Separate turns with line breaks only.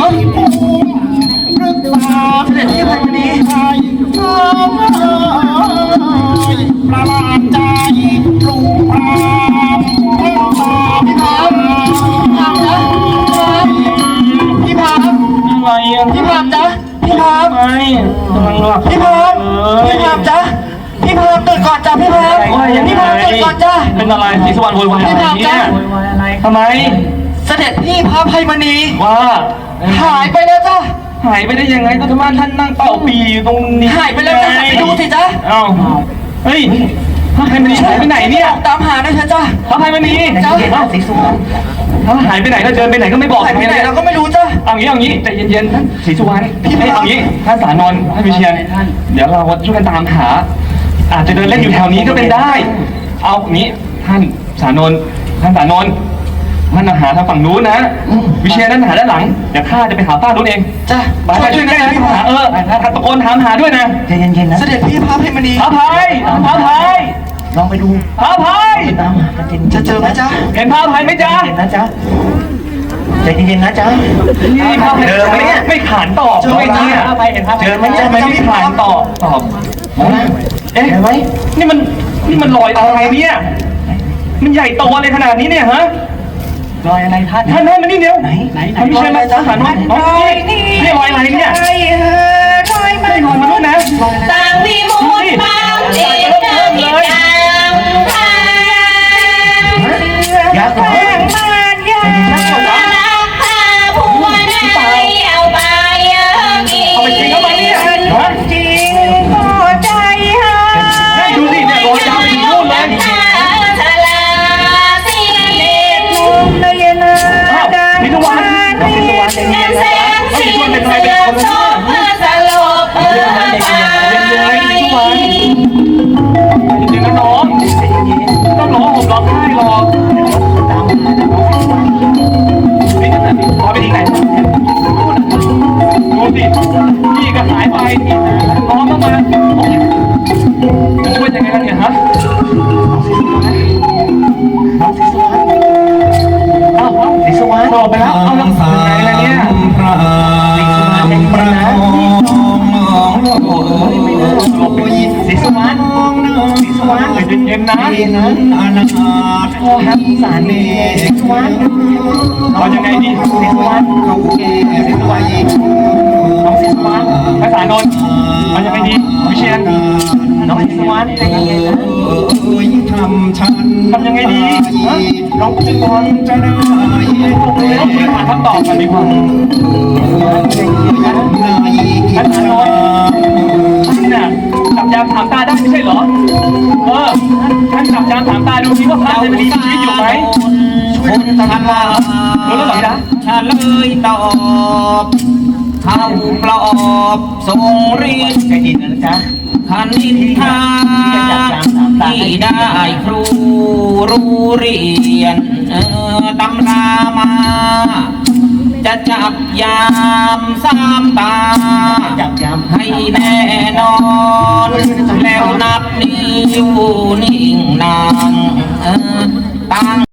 เสด็จพี่ภัยมณี
ประหลาดใจลูกพราม
พี่พามพี่พาม
อะไรอ่ะ
พี่พามจ๊ะพี่พาม
ไม่กำลังหลับ
พี่พามพี่พามจ๊ะพี่พามตื่นก่อนจ้ะพี่พามพี่พามตื่นก่อนจ้ะ
เป็นอะไรศรีสวรรค์โวยวายอะไรเนี่ยทำไม
เสด็จพี่พระภัยมณี
ว่า
หายไปแล้วจ้ะ
หายไปได้ยังไงก็ธรรมะท่านนั่งเป่าปีอยู่ตรงนี้
หายไปแล้วจ้ะไปดูสิจ๊ะ
เอ้าเฮ้ยพระภัยมณีหายไปไหนเนี่ย
ตามหาด้วยเถอะจ้ะ
พระภัยมณี
จ้ะ
ศรีสวรรณหายไปไหนแล้วเดินไปไหนก็ไม่บอก
หายไปไหนเราก็ไม่รู้จ้ะ
เอางี้ใจเย็นๆท่านศรีสุวรรณเอางี้ท่านสานนท์ท่านวิเชียรเดี๋ยวเราช่วยกันตามหาอาจจะเดินเล่นอยู่แถวนี้ก็เป็นได้ เอางี้ท่านสานนท์ท่านสานนท์ท่านหาทางฝั่งนู้นนะวิเชียรนั่นหาด้านหลังเดี๋ยวข้าจะไปหาป้านู้นเอง
จ้ะ
ไปด้วยนะหาตะโกนถามหาด้วยนะ
ใจเย็นๆนะ
เสด็จพี่พระภัยมณี
พระภัย
ลองไปดู
พระภัย
ตามหากันจริง
จะเจอไหมจ๊ะ
เห็นพระภัยไหมจ๊ะ
เย็นนะจ๊ะใจเย็นๆนะจ๊ะ
นี่พระภัย
เจอไหมเนี่ย
ไม่ขานตอบด้วยเนี่ย
เจอไหม
ทำไมไม่ขานตอบเอ๊ะ
เจอไหม
นี่มันรอยอะไรเนี่ยมันใหญ่โตอะไรขนาดนี้เนี่ยฮะ
รอยอะไรท่าน
ท่านมานี่เร็ว
ไหน
ท่านพี่เชยมาสานนท์นี่รอยอะไรเนี่ยไม่รอยมาด้วยนะ
ต่างวิมุตติบางเจตนิจังพา
ยักษ์เหรอ
รักพาผัวในเอาไปกิน
เอาไปกินเข้าไปเนี่ยฮะ
จริงก็ใจหา
ดูสิเนี่ยรอยยาวไปถึงนู่นเลย
ชะลาสิเนต
อ้าวพิทวัน
แสงสีเสียงโสมสลบไป
จริงๆนะน้องต้องร้องห่มร้องไห้รอนี่นั่นน่ะรอไปที่ไหนดูสิพี่ก็หายไปน้องก็มาจะช่วยยังไงล่ะเนี่ยฮะเอาศรีสวรรณบอกไปแล้วเอาแล้วยังไงล่ะเนี่ยศรีสวรรณเย็นๆนะ
นั้นอนาคต
พ่อครับสารนี่ศรีสวรรณเอายังไงดีศรีสวรรณ
เขาแก่ศรีสวรรณ
น้องศรีสวรรณภาษานนท์เอายังไงดีวิเชียรน้องศรีสวรรณ
ทำฉัน
ทำยังไงดีฮะน้องศรีสวรรณ
จะได้
ต้องคุยหาคำตอบกันดีกว่าภาษานนท์ท่านน่ะจับยามถามตาได้ไม่ใช่เหรอท่านจับยามถามตาดูสิว่าพระจะมีชีวิตอยู่ไหมช่วยกันตามมารู้แล้วเหรอจ๊ะ
เฉลยตอบเข้าปลอบทรงฤทธิ์
ใจเย็นนะจ๊ะ
ขันนินทาที่ได้ครูรู้เรียนตำรามา จะจับยามสามตา
จับยาม
ให้แน่นอน แล้วนับนิ้วนิ่งนานตั้ง